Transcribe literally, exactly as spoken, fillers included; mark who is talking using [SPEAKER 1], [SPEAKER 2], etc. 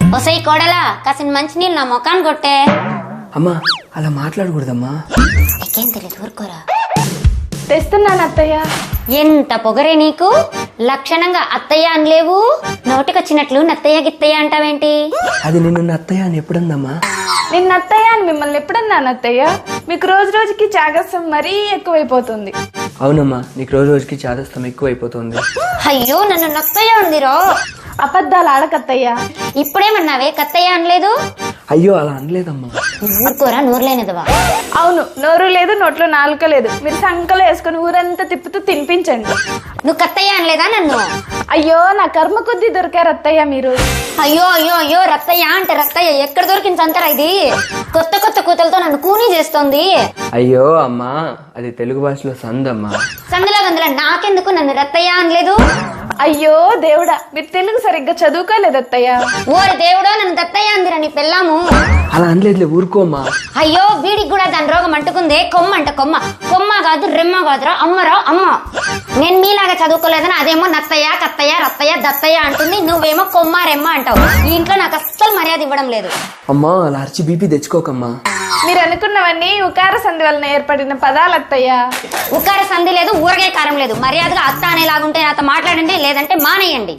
[SPEAKER 1] ఒసై కోడలా కాసిన మంచినీళ్ళు నా ముఖాన్ని కొట్టే.
[SPEAKER 2] అమ్మా అలా మాట్లాడకూడదమ్మా.
[SPEAKER 1] నీకేం తెలియదు, ఊరుకోరా.
[SPEAKER 3] తెస్తున్నాను అత్తయ్య.
[SPEAKER 1] ఎంత పొగరే నీకు, లక్షణంగా అత్తయ్య అనలేవు, నోటికొచ్చినట్లు నత్తయ్య గిత్తయ్య అంటావేంటి?
[SPEAKER 2] అది నిన్ను అత్తయ్య అని ఎప్పుడన్నా?
[SPEAKER 3] నిన్న అత్తయ్య అని మిమ్మల్ని ఎప్పుడన్నాను అత్తయ్య? మీకు రోజు రోజుకి చాగస్యం మరీ ఎక్కువైపోతుంది.
[SPEAKER 2] అవునమ్మా, నీకు రోజు రోజుకి చాదస్తం ఎక్కువైపోతుంది.
[SPEAKER 1] అయ్యో నన్ను నత్తయ్య ఉందిరో.
[SPEAKER 3] అబద్ధాలు ఆడకత్తయ్య.
[SPEAKER 1] ఇప్పుడేమన్నావే కత్తయ్య అనలేదు?
[SPEAKER 2] అయ్యో అలా అనలేదమ్మా.
[SPEAKER 1] ఊరుకోరా, నోరులేనిదవా.
[SPEAKER 3] అవును, నోరు లేదు, నోట్లో నాలుక లేదు. మీరు సంకలో వేసుకుని ఊరంతా తిప్పుతూ తినిపించండి.
[SPEAKER 1] నువ్వు కత్తయ్య అనలేదా నన్ను?
[SPEAKER 3] అయ్యో నా కర్మ కొద్దీ దొరికారు అత్తయ్య మీరు.
[SPEAKER 1] అయ్యో అయ్యో అయ్యో రత్తయ్య అంటే రత్తయ్య ఎక్కడ దొరికింది సంతరా ఇది? కొత్త కొత్త కూతలతో నన్ను కూనీ చేస్తోంది.
[SPEAKER 2] అయ్యో అమ్మా, అది తెలుగు భాషలో సందమ్మా.
[SPEAKER 1] సందులో గందులో నాకెందుకు నన్ను రత్తయ్య అనలేదు?
[SPEAKER 3] అయ్యో దేవుడా, మీరు తెలుగు సరిగ్గా చదువుకోలేదు అత్తయ్య.
[SPEAKER 1] ఓరి దేవుడో, నన్ను దత్తయ్య అందిరా నీ పెళ్ళాము.
[SPEAKER 2] అలా అనలేదులే, ఊరుకోమ్మా.
[SPEAKER 1] అయ్యో వీడికి కూడా దాని రోగం అంటుకుందే. కొమ్మ అంట కొమ్మ, కొమ్మ కాదు రెమ్మ కాదురా, అమ్మరా అమ్మ. నేను మీలాగా చదువుకోలేదని అదేమో నత్తయ్య కత్తయ్య రత్తయ్య దత్తయ్య అంటుంది, నువ్వేమో కొమ్మ రెమ్మ అంటావు. ఈ ఇంట్లో నాకు అస్సలు మర్యాద ఇవ్వడం లేదు.
[SPEAKER 2] అమ్మా అలా అరిచి బీపీ తెచ్చుకోకమ్మా.
[SPEAKER 3] మీరు అనుకున్నవన్నీ ఉకార సంధి వలన ఏర్పడిన పదాలు అత్తయ్య.
[SPEAKER 1] ఉకార సంధి లేదు, ఊరగాయ కారం లేదు. మర్యాదగా అత్త అనేలాగుంటే నాతో మాట్లాడండి, లేదంటే మానేయండి.